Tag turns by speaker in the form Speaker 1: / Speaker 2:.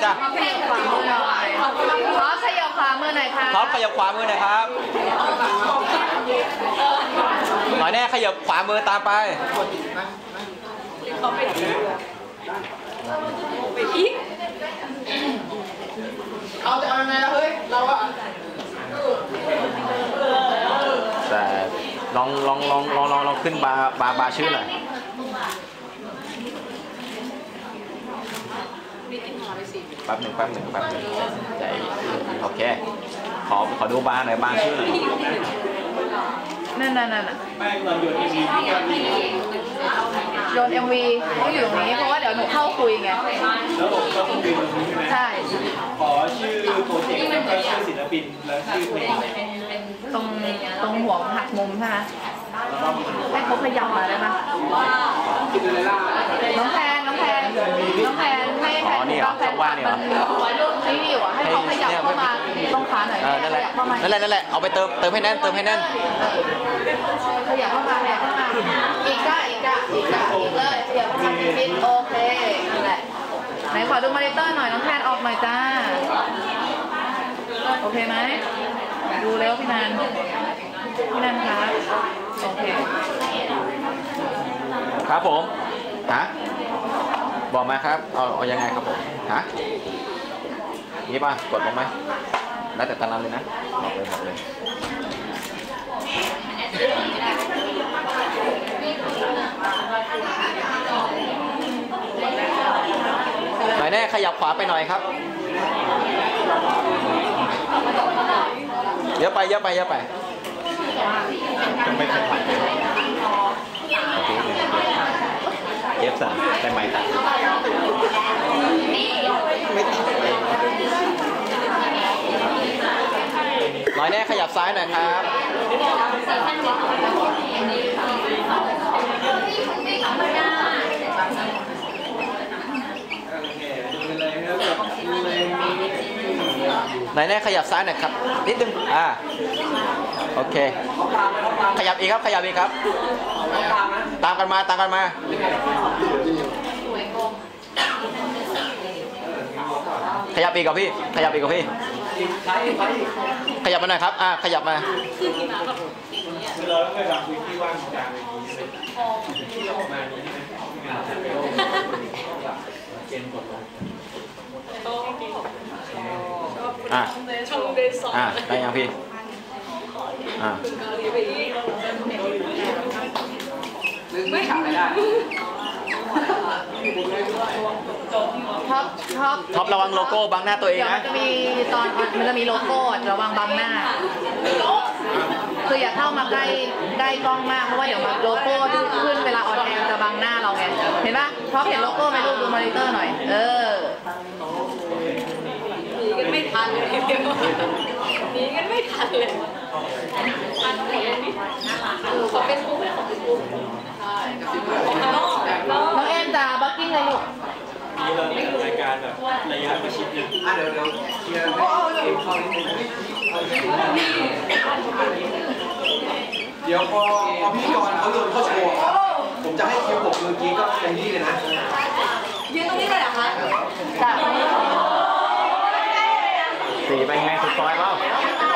Speaker 1: จ้ะ
Speaker 2: ท็อปขยับขวามือหน่อยค่ะ
Speaker 1: ท็อปขยับขวามือหน่อยครับหน่อยแน่ขยับขวามือตามไป
Speaker 3: เอาจะเอายังไงล่ะเฮ้ยเราอะ
Speaker 1: แต่ลองขึ้นบาร์ชื่อหน่อยแป๊บหนึ่งใจโอเคขอดูบาร์หน่อยบาร์ชื่อหน่อย
Speaker 2: นั่นโยน MV ต้องอยู่ตรงนี้เพราะว่าเดี๋ยวหนูเข้าคุยไง
Speaker 4: แล้วผมก็คุยตรงนี้ใช่ไหม
Speaker 2: ใช่
Speaker 4: ขอชื่อโปรเจกต์แล้วก็ชื่อศิลปินแล้วชื่อเพลง
Speaker 2: ตรงหัวหักมุมใช่ไหมให้เขาขยับมาได้ไหมน้องแพนให้แพนน้องแพนมันนี่อยู่อ่ะให้เขาขยับเข้ามาต้องขาหน่อย
Speaker 1: นั่นแหละเอาไปเติมให้แน่น
Speaker 2: ขยับเข้ามาอีกเลยขยับเข้ามานิดโอเคนั่นแหละไหนขอดูมอนิเตอร์หน่อยน้องแพนออกหน่อยจ้าโอเคไหมดูแล้วพี่นันครับโอเค
Speaker 1: ครับผมบอกมาครับเอายังไงครับผมนี่ป่ะกดลงไหมแล้วแต่ตารางเลยนะบอกเลยหน่อยแน่ขยับขวาไปหน่อยครับเยอะไปจะไม่ทันโอเคเย็บสั่นได้ไหมหน่อยแน่ขยับซ้ายหน่อยครับหน่อยแน่ขยับซ้ายหน่อยครับนิดนึงโอเคขยับอีกครับตามกันมาขยับอีกกับพี่ขยับมาหน่อยครับขยับมา
Speaker 4: เราต้องไปแบบพื้นที่ว่างกลางอย่างนี้ที่ออกมานี้งานจะไปเกณฑ์กดลง
Speaker 1: ได้ยังพี่
Speaker 3: ไม่ขาดไม่ได้
Speaker 1: ท็อประวังโลโก้บังหน้าตัวเองนะ
Speaker 2: มันจะมีโลโก้ระวังบังหน้าคืออย่าเข้ามาใกล้กล้องมากเพราะว่าเดี๋ยวโลโก้ที่ขึ้นเวลาออนแอร์จะบังหน้าเราไงเห็นปะท็อปเห็นโลโก้ไหมลูกดูมอนิเตอร์หน่อย
Speaker 5: หนีกันไม่ทันเลยขอเป็นผู้ให้ของคุณ
Speaker 2: น้องแอนจ้าบักกิ้งเลยลูก
Speaker 4: มีรายการแบบระยะประชิดนึง
Speaker 3: เดี๋ยวเคลียร์ให้เข้านิดนึงเดี๋ยวพอพี่กรณ์เขาโยนเข้าโชว์ผมจะให้คิว6เมื่อกี้ก็ตรงนี้เลยนะ
Speaker 5: ยืนตรงนี้เลยเหรอคะ
Speaker 2: จ้ะ
Speaker 1: สีไปไงสุดซอยเปล่า